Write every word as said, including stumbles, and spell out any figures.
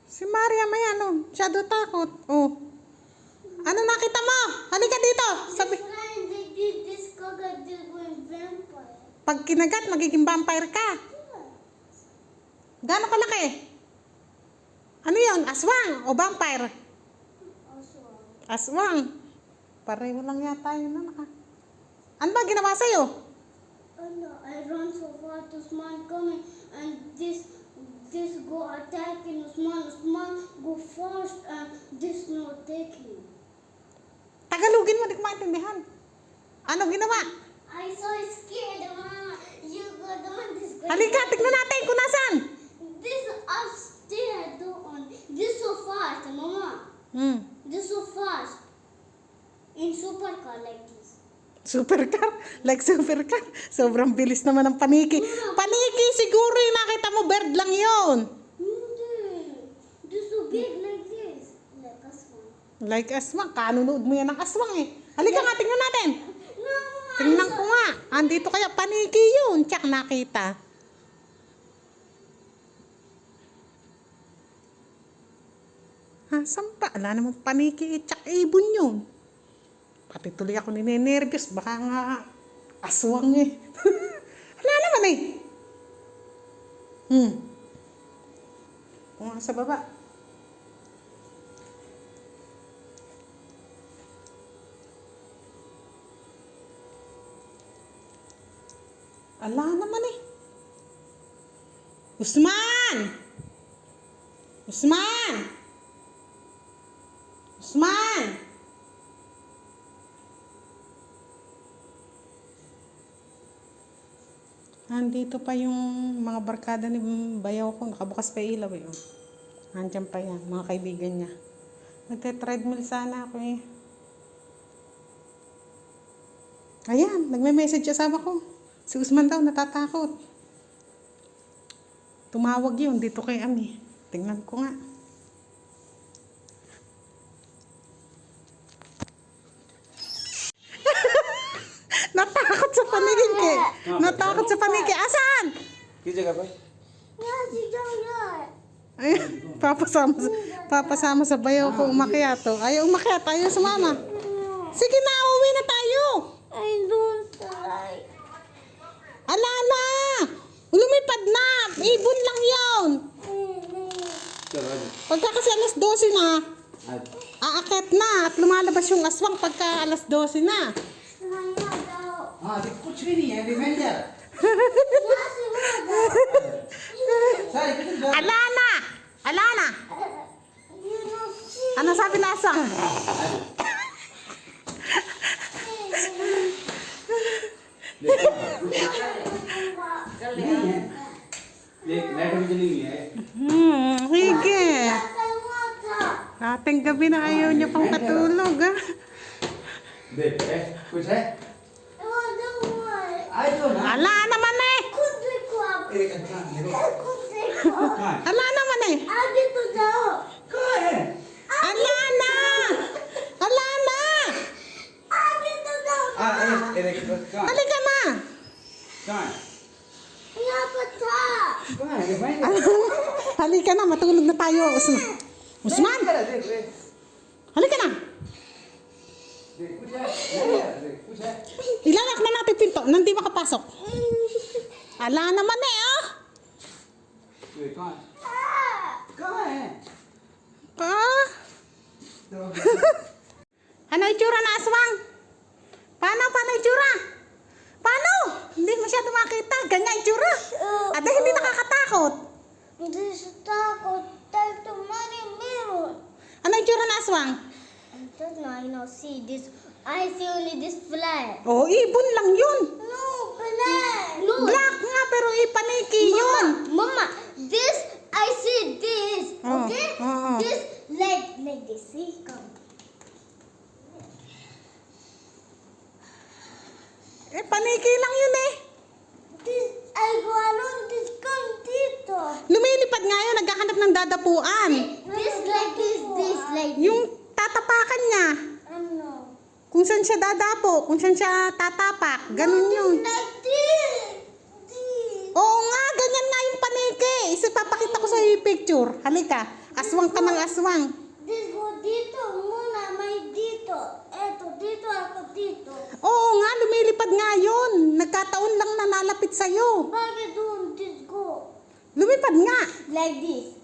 Si Maria may ano, masyado takot. Oh. Ano nakita mo? Halika dito. Sabi, pag kinagat, magiging vampire ka. Gaano kalaki? Ano yun? Aswang o vampire? Aswang. Aswang. Pareho lang yata yun. Ano, ka? Ano ba ginawa sa'yo? Ano, I run so far to Usman coming and this this go attacking Usman. Usman go first and this no taking. Tagalogin mo, di ko maintindihan. Ano ginawa? I so scared, Mama. You go down this. Halika, tignan natin kung nasan. This upstairs doon. This so fast, Mama. Hmm. This so fast. In supercar like this. Supercar? Like supercar? Sobrang bilis naman ng paniki. Paniki, siguro yung nakita mo, bird lang yun. Hindi. This so big like this. Like a swan. Like aswang. Kanunood mo yan ng aswang eh. Halika nga, tingnan natin. No, Tingnan ko nga. Andito kaya, paniki yun. Tsak, nakita. Ha, saan pa? Ala naman paniki, tsak, ibon yun. Pati tuloy ako ninenervyos. Baka nga aswang eh. Wala naman eh. Hmm. Kung nga sa baba. Ala naman eh. Usman! Usman! Usman! Andito pa yung mga barkada ni bayaw ko. Nakabukas pa ilaw eh. Oh. Andiyan pa yan. Mga kaibigan niya. Nagte-treadmill sana ako eh. Ayan. Nagme-message kasama ko. Si Usman daw natatakot. Tumawag yun dito kay Ami. Tingnan ko nga. Natakot sa paningin ke. Natakot sa paningin. Asan? किस जगह पे? Yeah, si Jaya. Ay, papasama, papasama sa bayaw ko umakyat. Oh. Ayaw umakyat. Ayaw sumama. Sige na, uwi na tayo. I don't like. Ala na. Lumipad na. Ibon lang yun. चलो आज Pagka kasi alas dose na, आज aakyat na at lumalabas yung aswang pagka alas dose na. हाँ अभी कुछ भी नहीं है रिवेंजर सारी कितने जा Ala na. Ala na. Ano sabi na aswang? नहीं है देख लाइट भी जली हुई है Hmm, sige. Ating gabi na ayaw niya pang katulog. Ah. देख है कुछ है आई तो ना Ala naman eh. एक अच्छा देखो कहाँ है Ala naman eh. कहाँ है Ala na. Ala na. हाँ ये देख कहाँ Halika na. कहाँ है कहाँ है revenger Halika na, matulog na tayo. Usman. Usman, देख देख halika na. देख कुछ है नहीं है देख कुछ है Ilalak na natin pinto, nandi makapasok. Ala naman eh, oh. देख कहाँ कहाँ है Ah. Ano itsura na aswang? Paano, paano itsura? Paano? Hindi masyado makita. Ganyan itsura. At hindi nakakatakot. This takot tell to money mirror. Ano itsura na aswang? I don't know, I know, see this. I see only this flag. Oh, ibon lang yun. No, flag. No. Black nga pero ipaniki yun. Mama, Mama, this, I see this, Oh, okay? oh, oh. This, like, like this, see, come. Eh, paniki lang yun eh. This, I go along this, come dito. Lumilipad nga yun, nagkakanap ng dadapuan. This, like this, this, like this. Yung tatapakan niya. Ano? Kung saan siya dadapo, kung saan siya tatapak. Ganun yun. Like this. This. Oo nga, ganyan nga yung paniki. Isa papakita ko sa yung picture. Halika. Aswang ka ng aswang. This go dito, muna may dito. Eto, dito ako dito. Oo nga, lumilipad nga yun. Nagkataon lang na nalapit sa'yo. Bakit doon this go? Lumipad nga. Like this.